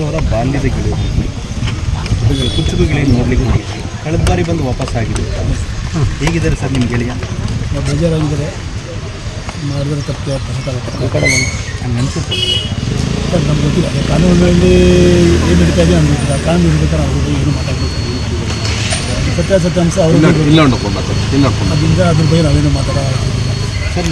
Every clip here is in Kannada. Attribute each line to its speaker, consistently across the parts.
Speaker 1: ಅವರ ಬಾಲ್ಯದ ಗೆಳೆಯರು ಕುಚ್ಚುಕು ಗೆಳೆಯ ನೋಡಲಿಕ್ಕೆ ಹೋಗಿದ್ವಿ. ಕಳೆದ ಬಾರಿ ಬಂದು ವಾಪಸ್ ಆಗಿದೆ. ಹೇಗಿದ್ದಾರೆ ಸರ್ ನಿಮ್ಮ ಗೆಳೆಯ?
Speaker 2: ಬೇಜಾರಾಗಿದ್ದಾರೆ, ಮಾಡಿದ್ರೆ ತಪ್ಪು
Speaker 1: ಹಂಗೆ ಅನಿಸುತ್ತೆ.
Speaker 2: ಸರ್ ನಮ್ಗೆ ಗೊತ್ತಿಲ್ಲ, ಕಾನೂನಿನಲ್ಲಿ ಏನು ನಡೀತಾ ಇದೆ ನಮ್ಗೆ ಗೊತ್ತಿಲ್ಲ. ಕಾನೂನು ಇರ್ಬೇಕಾದ್ರೆ ಅವ್ರ ಬಗ್ಗೆ ಏನು ಮಾತಾಡಬೇಕು, ಸತ್ಯಾಸತ್ಯಾಂಶ ಅವ್ರಿಗೆ ಅದರಿಂದ ಅದ್ರ ಬಗ್ಗೆ ನಾವೇನು
Speaker 1: ಸರ್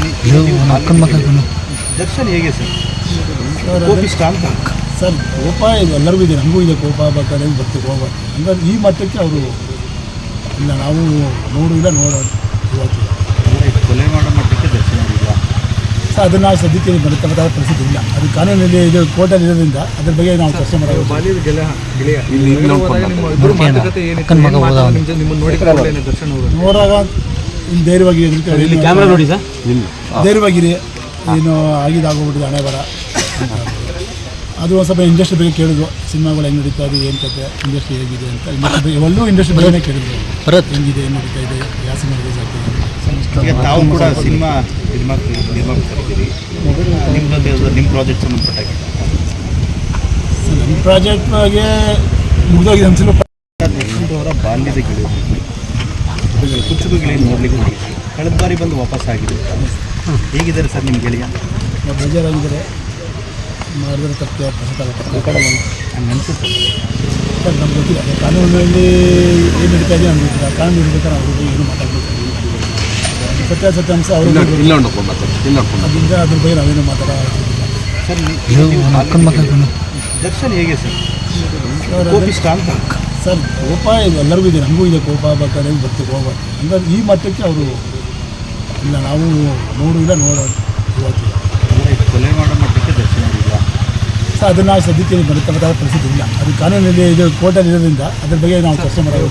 Speaker 1: ದರ್ಶನ್ ಹೇಗೆ ಸರ್? ಕೋಪಿಷ್ಟ ಅಂತ
Speaker 2: ಸರ್ ಕೋಪ ಇದು ಎಲ್ಲರಿಗೂ ಇದೆ, ನಮಗೂ ಇದೆ ಕೋಪ, ಬೇಕಾದ್ರೆ ಬರ್ತೀವಿ ಹೋಗ್ಬಾರ್ದು. ಹಂಗಾಗಿ ಈ ಮಟ್ಟಕ್ಕೆ ಅವರು ಇಲ್ಲ, ನಾವು ನೋಡಿಲ್ಲ ಇವತ್ತು
Speaker 1: ಕೊಲೆ ಮಾಡೋ ಮಟ್ಟಕ್ಕೆ ದರ್ಶನ ಇಲ್ಲ
Speaker 2: ಸರ್. ಅದನ್ನು ಸದ್ಯಕ್ಕೆ ಬದುಕಬೇಕಾದ ಪರಿಸ್ಥಿತಿ ಇಲ್ಲ. ಅದು ಕಾನೂನಲ್ಲಿ ಇದು ಕೋರ್ಟಲ್ಲಿ ಇರೋದ್ರಿಂದ ಅದ್ರ ಬಗ್ಗೆ ನಾವು ಚರ್ಚೆ ಮಾಡೋದು. ನೋಡಾಗ ಧೈರ್ಯವಾಗಿ ಧೈರ್ಯವಾಗಿರಿ, ಏನು ಆಗಿದ್ದಾಗೋಗ್ಬಿಟ್ಟಿದೆ ಹಣೆ ಬರ. ಅದು ಒಂದು ಸ್ವಲ್ಪ ಇಂಡಸ್ಟ್ರಿ ಬಗ್ಗೆ ಕೇಳಿದ್ರು, ಸಿನಿಮಾಗಳು ಹೆಂಗೆ ನಡೀತಾ ಇದೆ, ಏನು ಕತೆ, ಇಂಡಸ್ಟ್ರಿ ಹೇಗಿದೆ ಅಂತ. ಇಂಡಸ್ಟ್ರಿ ಬಗ್ಗೆನೇ ಕೇಳಿದ್ರು, ಹೆಂಗಿದೆ, ಏನು ನಡೀತಾ ಇದೆ, ಯಾವ ಸಿನಿಮಾ ರಿಲೀಸ್ ಆಗ್ತಿದೆ.
Speaker 1: ತಾವು ಕೂಡ ಸಿನಿಮಾ ನಿರ್ಮಾಪಕರಿದ್ದೀರಿ, ನಿಮ್ಮ ಪ್ರಾಜೆಕ್ಟ್ ಸಂಬಂಧಪಟ್ಟಾಗಿ
Speaker 2: ನಮ್ಮ ಪ್ರಾಜೆಕ್ಟ್ ಬಗ್ಗೆ ಮುಗಿದೋಗಿದೆ ಅನ್ಸಿಲ್ಲ.
Speaker 1: ಅವರ ಬಾಲ್ಯದ ಗೆಳೆಯರು ಕುಚ್ಚುಕು ಗೆಳೆಯ ನೋಡಲಿಕ್ಕೆ ಹೋಗಿದ್ವಿ. ಕಳೆದ ಬಾರಿ ಬಂದು ವಾಪಸ್ ಆಗಿದೆ. ಹೇಗಿದ್ದಾರೆ ಸರ್ ನಿಮ್ಮ ಗೆಳೆಯ?
Speaker 2: ಬೇಜಾರಾಗಿದ್ದಾರೆ, ಮಾಡಿದ್ರೆ ತಪ್ಪು
Speaker 1: ಹಂಗೆ ಅನಿಸುತ್ತೆ.
Speaker 2: ಸರ್ ನಮ್ಗೆ ಗೊತ್ತಿಲ್ಲ, ಕಾನೂನಿನಲ್ಲಿ ಏನು ನಡೀತಾ ಇದೆ ನಮ್ಗೆ ಗೊತ್ತಿಲ್ಲ. ಕಾನೂನು ಇರ್ಬೇಕಾದ್ರೆ ಅವ್ರ ಬಗ್ಗೆ ಏನು ಮಾತಾಡಬೇಕು, ಸತ್ಯಾಸತ್ಯಾಂಶ ಅವ್ರಿಗೆ ಅದರಿಂದ ಅದ್ರ ಬಗ್ಗೆ ನಾವೇನು ಮಾತಾಡೋದಿಲ್ಲ.
Speaker 1: ಸರ್ ದರ್ಶನ್ ಹೇಗೆ ಸರ್? ಕೋಪಿಷ್ಟ ಅಂತ
Speaker 2: ಸರ್ ಕೋಪ ಇದು ಎಲ್ಲರಿಗೂ ಇದೆ, ನಮಗೂ ಇದೆ ಕೋಪ, ಬೇಕಾದ್ರೆ ಬರ್ತೀವಿ ಹೋಗ್ಬಾರ್ದು. ಹಂಗಾಗಿ ಈ ಮಟ್ಟಕ್ಕೆ ಅವರು ಇಲ್ಲ, ನಾವು ನೋಡಿಲ್ಲ ಇವತ್ತು
Speaker 1: ಕೊಲೆ ಮಾಡೋ ಮಟ್ಟಕ್ಕೆ ದರ್ಶನ ಇಲ್ಲ
Speaker 2: ಸರ್. ಅದನ್ನು ಸದ್ಯಕ್ಕೆ ಬದುಕಬೇಕಾದ ಪರಿಸ್ಥಿತಿ ಇಲ್ಲ. ಅದು ಕಾನೂನಲ್ಲಿ ಇದು ಕೋರ್ಟಲ್ಲಿ ಇರೋದ್ರಿಂದ ಅದ್ರ ಬಗ್ಗೆ ನಾವು ಚರ್ಚೆ ಮಾಡೋದು.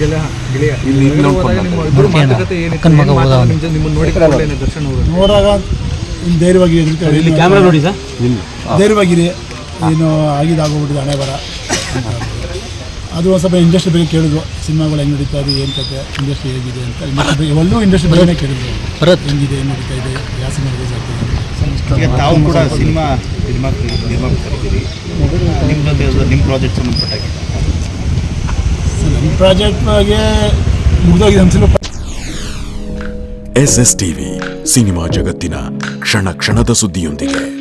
Speaker 2: ನೋಡಾಗ ಧೈರ್ಯವಾಗಿ ಧೈರ್ಯವಾಗಿರಿ, ಏನು ಆಗಿದ್ದಾಗೋಗ್ಬಿಟ್ಟಿದೆ ಹಣೆ ಬರ. ಅದು ಒಂದು ಸ್ವಲ್ಪ ಇಂಡಸ್ಟ್ರಿ ಬಗ್ಗೆ ಕೇಳಿದ್ರು, ಸಿನಿಮಾಗಳು ಹೆಂಗೆ ನಡೀತಾ ಇದೆ, ಏನು ಕತೆ, ಇಂಡಸ್ಟ್ರಿ ಹೇಗಿದೆ ಅಂತ. ಇಂಡಸ್ಟ್ರಿ ಬಗ್ಗೆನೇ ಕೇಳಿದ್ರು, ಹೆಂಗಿದೆ, ಏನು ನಡೀತಾ ಇದೆ, ಯಾವ ಸಿನಿಮಾ ರಿಲೀಸ್ ಆಗ್ತಿದೆ.
Speaker 1: ತಾವು ಕೂಡ ಸಿನಿಮಾ ನಿರ್ಮಾಪಕರಿದ್ದೀರಿ, ನಿಮ್ಮ ಪ್ರಾಜೆಕ್ಟ್ ಸಂಬಂಧಪಟ್ಟಾಗಿ
Speaker 2: ನಮ್ಮ ಪ್ರಾಜೆಕ್ಟ್ ಬಗ್ಗೆ ಮುಗಿದೋಗಿದೆ ಅನ್ಸಿಲ್ಲ.
Speaker 3: SS TV ಸಿನಿಮಾ ಜಗತ್ತಿನ ಕ್ಷಣ ಕ್ಷಣದ ಸುದ್ದಿಯೊಂದಿಗೆ.